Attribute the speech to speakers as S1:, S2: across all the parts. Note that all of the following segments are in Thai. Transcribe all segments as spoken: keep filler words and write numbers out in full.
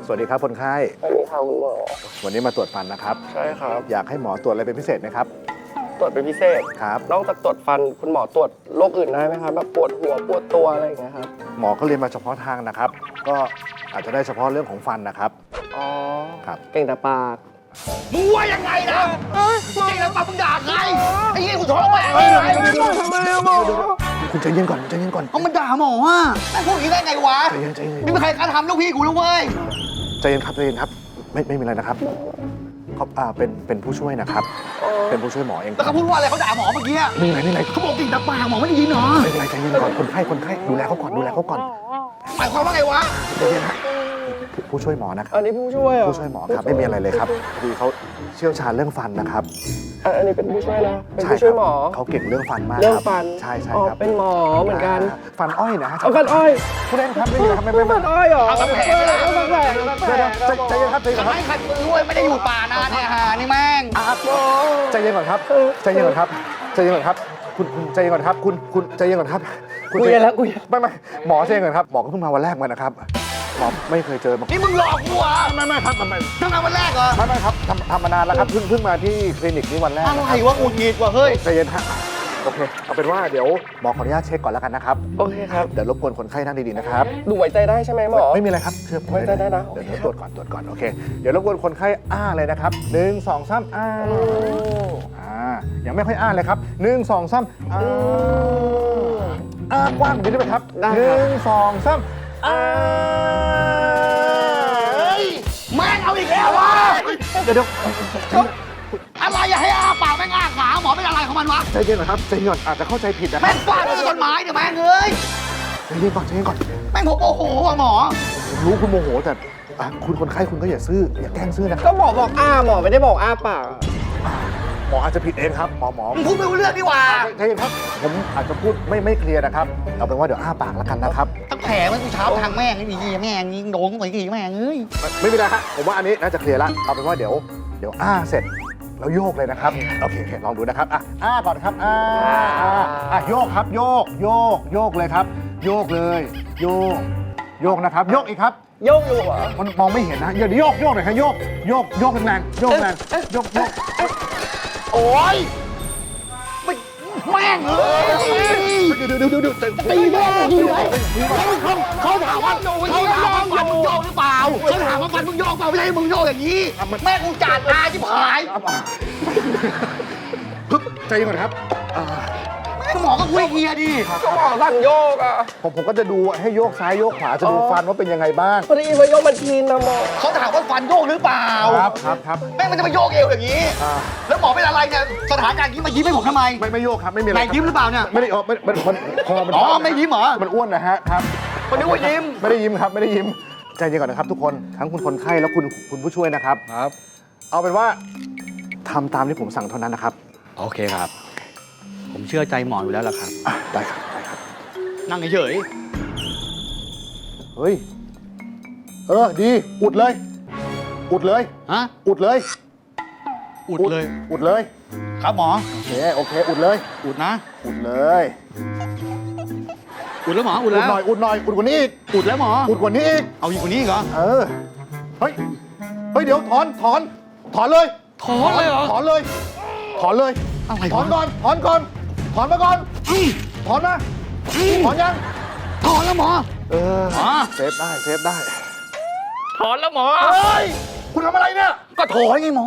S1: วัสดีครับคนไข้
S2: สวัสดีค่ะคุณหมอ
S1: วันนี้มาตรวจฟันนะครับ
S2: ใช่ครับ
S1: อยากให้หมอตรวจอะไรเป็นพิเศษไหมครับ
S2: ตรวจเป็นพิเศษ
S1: ครับ
S2: นอกจากตรวจฟันคุณหมอตรวจโรคอื่นได้ไหมครับแบบปวดหัวปวดตัวอะไรอย่างเงี้ยครับ
S1: หมอก็เรียนมาเฉพาะทางนะครับ ก็อาจจะได้เฉพาะเรื่องของฟันนะครับ
S2: อ๋อ
S1: ครับ
S2: เก่งแต่ปาก
S3: มึงว่ายังไงนะจริงแล้วป้ามึงด่าใครไอ้ยี่กูท้องแม่งเลย
S2: ทำไมอะหมอ
S1: คุณใจเย็นก่อนใจเย็นก่อน
S3: เอามันด่าหมออ่ะแม่งพูดอย่างนี้ได้ไงวะ
S1: ใจเย็นใจเย็น
S3: ไม่มีใครกล้าทำลูกพี่กูแล้วเว้ย
S1: ใจเย็นครับใจเย็นครับ ไม่ไม่มีอะไรนะครับเขาอ่าเป็นเป็นผู้ช่วยนะครับ เป็นผู้ช่วยหมอเอง
S3: แล้วเขาพูดว่าอะไรเขาด่าหมอเมื่อกี้
S1: ไม่มีอะไรไม่มีอะไร
S3: เขาบอกจริงแต่ปากหมอไม่ได้ยินเหรอ
S1: ไม่เป็นไรใจเย็นก่อนคนไข้คนไข้ดูแลเขาก่อนดูแลเขาก่อน
S3: หมายความว่าไงวะ
S1: ใจเย็นฮะผู้ผู้ช่วยหมอนะครับ
S2: อันนี้ผู้ช่วยเหรอ
S1: ผู้ช่วยหมอครับไม่มีอะไรเลยครับพอดีเขาเชี่ยวชาญเรื่องฟันนะครับ
S2: อ่ะอันนี้เป็นผู้ช่วยนะเป็น
S1: ใช่
S2: ผู้ช่วยหมอ
S1: ครับเขาเก่งเรื่องฟันมาก
S2: เรื่อง
S1: คบ
S2: ฟัน
S1: ใช่ใช่
S2: อ๋อ
S1: ครับ
S2: เป็นหมอเหมือนกัน
S1: าฟันอ้อยนะฮะ
S2: เอาฟันอ้อย
S1: ผู้เล่นครับไม่มีครับไม่ไม่ไม่
S2: ฟันอ้อยเหรอ
S3: เอาฟันแผล
S2: เอาฟันแผลเอาฟันแผล
S1: ใจใจเย็นครับใจเย็นก่อนครับ
S3: ไม่ใครรู้ไม่ได้อยู่ป่านานเนี่ยฮะนี่แม่ง
S1: ใจเย็นก่อนครับใจเย็นก่อนครับใจเย็นก่อนครับคุณคุณใจเย็นก่อนครับคุณคุณใจเย็นก่อนครับคุณ
S2: คุย
S1: ใจ
S2: กันแล้วคุย
S1: ไม่ไม่หมอใจเย็นก่อนครับหมอก็เพิ่งมาวันแรกมานะครับหมอไม่เคยเจอมา
S3: นี่มึงหลอกกูเหรอ
S1: ไม่ไม่ครับไม่ไม่
S3: ทำงานวันแรกเหรอ
S1: ไม่ไม่ครับทำทำมานานแล้วครับเพิ่งเพิ่งมาที่คลินิกนี้วันแรก
S3: อะไรวะกูหงิดว่ะเฮ้ย
S1: ใจเย็นฮะโอเคเอาเป็นว่าเดี๋ยวหมอขออนุญาตเช็คก่อนแล้วกันนะครับ
S2: โอเคครับ
S1: เดี๋ยวรบกวนคนไข้นั่งดีๆนะครับ
S2: ดูไว้ใจได้ใช่ไหมหมอ
S1: ไม่มีอะไรครับเชื่อผม
S2: ไว้ใจได้นะ
S1: เดี๋ยวเดี๋ยวตรวจก่อนตรวจก่อนโอเคเดี๋ยวรบกวนคนไข้อ้าเลยนะครับหนึ่งสองสามอ้าอ่ายังไม่ค่อยอ้าเลยครับหนึ่งสองสามอ้าอ้ากว้างกว่านี้ได้ไหมครับ
S2: ได้
S1: ห
S2: ครับ
S1: นึ่งสองสามอ้า
S3: เฮ้ยแม่งเอาอีกแล้ววะ
S1: เดี๋ยวเดี๋ยว
S3: อะไรอย่าให้อ้าปากแม่งอ้าขาหมอเป็นอะไรของมันวะ
S1: ใจเย็นก่อนครับใจเย็นก่อนอาจจะเข้าใจผิดนะค
S3: แม่
S1: รับ
S3: งฟาดด้วยต้นไม้เนี่ยแม่งเอ้ย
S1: ใจเย็นก่อนใจเย็นก่อน
S3: แม่งผมโอ้โหว่ะหมอ
S1: ผมรู้คุณโมโหแต่อ่ะคุณคนไข้คุณก็อย่าซื่ออย่าแกล้งซื่อนะครับ
S2: ก็หมอบอกอ้าหมอไม่ได้บอกอ้าปาก
S1: หมออาจจะผิดเองครับหมอหมอ
S3: มึงพูดไม่รู้เรื่องนี่หว่า
S1: ใจเย็นครับผมอาจจะพูดไม่ไม่เคลียร์นะครับเอาเป็นว่าเดี๋ยวอ้าปากแล้วกันนะครับ
S3: ตั้งแผลเมื่อเช้าทางแม่งนี่ดีแม่งยิงโดนไปกี่แม่งเอ้ย
S1: ไม่ไม่เป็นไรฮะผมว่าอันนี้น่าจะเคลียร์ละเอาเป็นว่าเดี๋ยวเดี๋ยวอ้าเสร็จแล้วโยกเลยนะครับโอเคโอเคลองดูนะครับอ่ะอ้าก่อนครับอ้าอ้าอ่ะโยกครับโยกโยกโยกเลยครับ โยกเลย โยกโยกนะครับ โยกอีกครับ
S2: โยกอยู่เหรอ
S1: มันมองไม่เห็นนะเดี๋ยวโยกโยกหน่อยครับโยกโยกโยกแรงๆโยกแรงโยกโยก
S3: โอ้ยไม่แม่งเอ้ย
S1: เดี๋ยวเดี๋ยวเดี๋ยวเดี๋ยว
S3: ตีแม่งอยู่ไหนเขาเขาถามว่าเขาถามว่าฟันมึงโยกหรือเปล่าเขาถามว่าฟันมึงโยกเปล่าไม่ใช่มึงโยกอย่างนี้ แม่งกูจัดอาชิบหาย
S1: ปึ๊บใจเย็นก่อนครับอ่า
S3: ก็หมอก็คุยเคลียร์ดิ
S2: ก็หมอสั่งโยกอ่ะ
S1: ผมผมก็จะดูให้โยกซ้ายโยกขวาจะดูฟันว่าเป็นยังไงบ้าง
S2: พอดีว่าโยกมันทีนนะหมอ
S3: เขาถามว่าฟันโยกหรือเปล่า
S1: ครับครับครับ
S3: แม่งมันจะมาโยกเอวอย่างนี้
S1: อ่า
S3: แล้วหมอเป็นอะไรเนี่ยสถานการณ์นี้มายิ้มให้ผมทำไม
S1: ไม่ไม่โยกครับไม่มีอะไร
S3: ไหนยิ้มหรือเปล่าเนี่ย
S1: ไม่ได้อ๋อไม่มันมันคอมัน
S3: อ๋อไม่ยิ้มเหรอ
S1: มันอ้วนนะฮะครับ
S3: คนนึกว่ายิ้ม
S1: ไม่ได้ยิ้มครับไม่ได้ยิ้มใจเย็นก่อนนะครับ ทุกคนทั้งคุณคนไข้แล้วคุณคุณผู้ช่วยนะครับครับ เอาเป็นว่าทำตามที่ผมสั่งเท่านั้นนะครับ
S4: โอเคครับ ผมเชื่อใจหมออยู่แล้วล่ะครับ
S1: อ่ะได้ครับได้ครับ
S4: นั่งเฉย
S1: เฮ้ยเออดีอุดเลย อุดเลย
S4: ๆฮะ
S1: อุดเลย
S4: อุดเลย
S1: อุดเลย
S3: ครับหมอ
S1: โอเคโอเคอุดเลย
S4: อุดนะ
S1: อุดเลย
S4: อุดแล้วหมอ อุด
S1: อุด
S4: แล้ว
S1: หน่อยอุดหน่อยอุดกว่านี้อีก
S4: อุดแล้วหมอ
S1: อุดกว่านี้อีก
S4: เอาอีกกว่านี้อีกเหรอ
S1: เออ เฮ้ย เฮ้ย เดี๋ยวถอน ถอน ถอนเลย
S4: ถอนเลยเหรอ
S1: ถอนเลย ถอนเลย
S4: อะไร
S1: ถอน
S4: วะ
S1: ก่อน ถอนก่อน ถอนมาก่อน ถอนมาถอนยัง
S4: ถอนแล้วหมอ
S1: เออ
S4: หมอ
S1: เซฟได้ เซฟได้
S4: ถอนแล้วหมอ
S1: เฮ้ย คุณทำอะไรเนี่ย
S4: ก็ถอนไงหมอ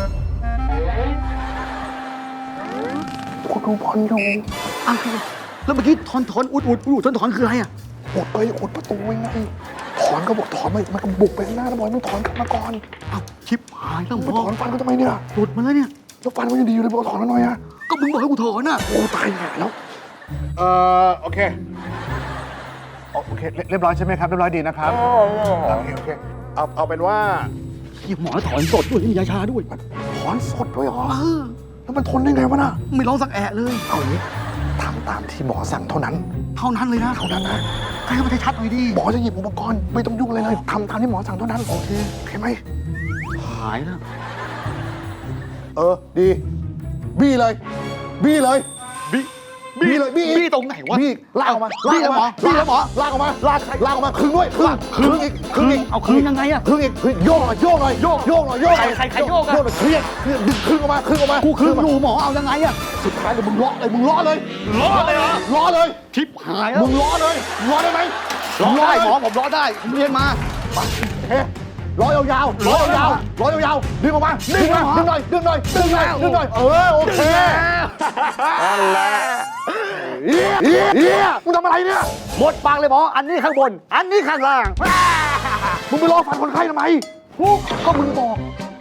S1: คุณดูบอลอยู่
S4: อ้าวแล้วเมื่อกี้ถอนถอนอุดอุดอุดถอนถอนคืออะไรอ่ะ
S1: อุดไปอุดประตูไงถอนก็บอกถอนไปมันก็บุกไปข้างหน้าแล้วบอกให้มันถอนกลับมาก่อน
S4: อ้าวชิบหายแล้วหม
S1: ไป
S4: อ
S1: ถอนฟันก็ทำไมเนี่ย
S4: หลุดมาแล้วเนี่ย
S1: แล้วฟันมันยังดีอยู่เลยบอกถอนแล้วหน่อยอะ
S4: ก็มึงบอกให้กูถอนอ่ะ
S1: โอ้ตายห่าแล้ว เอ่อ โอเค โอเค เรียบร้อยใช่ไหมครับ เรียบร้อยดีนะครับ โอเค โอเค เอา เอาเป็นว่า
S4: เฮียหมอถอนสดด้วยมียาชาด้วย
S1: ถอนสดด้วยเหรอ
S4: เออ
S1: แล้วมันทนได้ไงวะน่ะ
S4: ไม่ร้องสักแอะเลย
S1: เอาอย่างนี้ทำตามที่หมอสั่งเท่านั้น
S4: เท่านั้นเลยนะ
S1: เท่านั้นนะ
S4: ให้มันชัดๆหน่อยดิ
S1: หมอจะหยิบอุปกรณ์ไม่ต้องยุ่งอะไรเลยทำตามที่หมอสั่งเท่านั้น โอเค โอเคไหม
S4: หายแล้ว
S1: เออ ดี บี้เลย บี้เลย
S4: บี้
S1: บี้เลยบี้
S4: บี้ตรงไหนวะ
S1: บี้ลากออกมา
S4: บี้แล้วหมอบี้แล้วหมอ
S1: ลากออกมาลากลากออกมาครึ่งด้วยครึ่งครึ่งอีกครึ่งอีก
S4: เอาคืนยังไงอะ
S1: ครึ่งอีกครึ่งโยกหน่อยโยกหน่อยโยกโยกหน่อยโยก
S4: ใครใครใครโยกอะ
S1: โยกหน่อยเครียดเครียดดึงครึ่งออกมาครึ่งออกมา
S4: กูคืน
S1: มา
S4: อยู่หมอเอายังไงอะ
S1: สุดท้ายเลยมึงล้อเลยมึงล้อเลย
S4: ล้อเลยเหรอ
S1: ล้อเลย
S4: ทิปหายแล้ว
S1: มึงล้อเลยล้อได้ไหม
S4: ล้อได้หมอ
S1: เลย
S4: ผมล้อได้ผมเรียนมา
S1: เฮ้ล้อยาวๆล้อยาวๆล้อยาวๆดึงออกมาดึงมาดึงหน่อยดึงหน่อยดึงหน่อยดึงหน่อยเออโอเคนั่นแหละเฮียเฮียเฮียมึงทำอะไรเนี่ย
S4: หมดปากเลยหมออันนี้ข้างบน อันนี้ข้างล่าง
S1: มึงไปรอฟันคนไข้ทำไมก็มึงบอก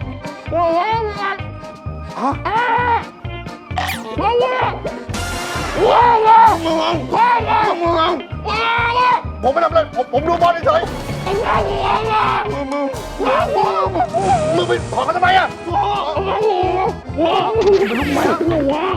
S1: ฮะผมไม่ทำอะไรผมผมดูบอลเฉยมึงมึงไปถอดเขาทำไมอ่ะมึงเป็นลูกแม่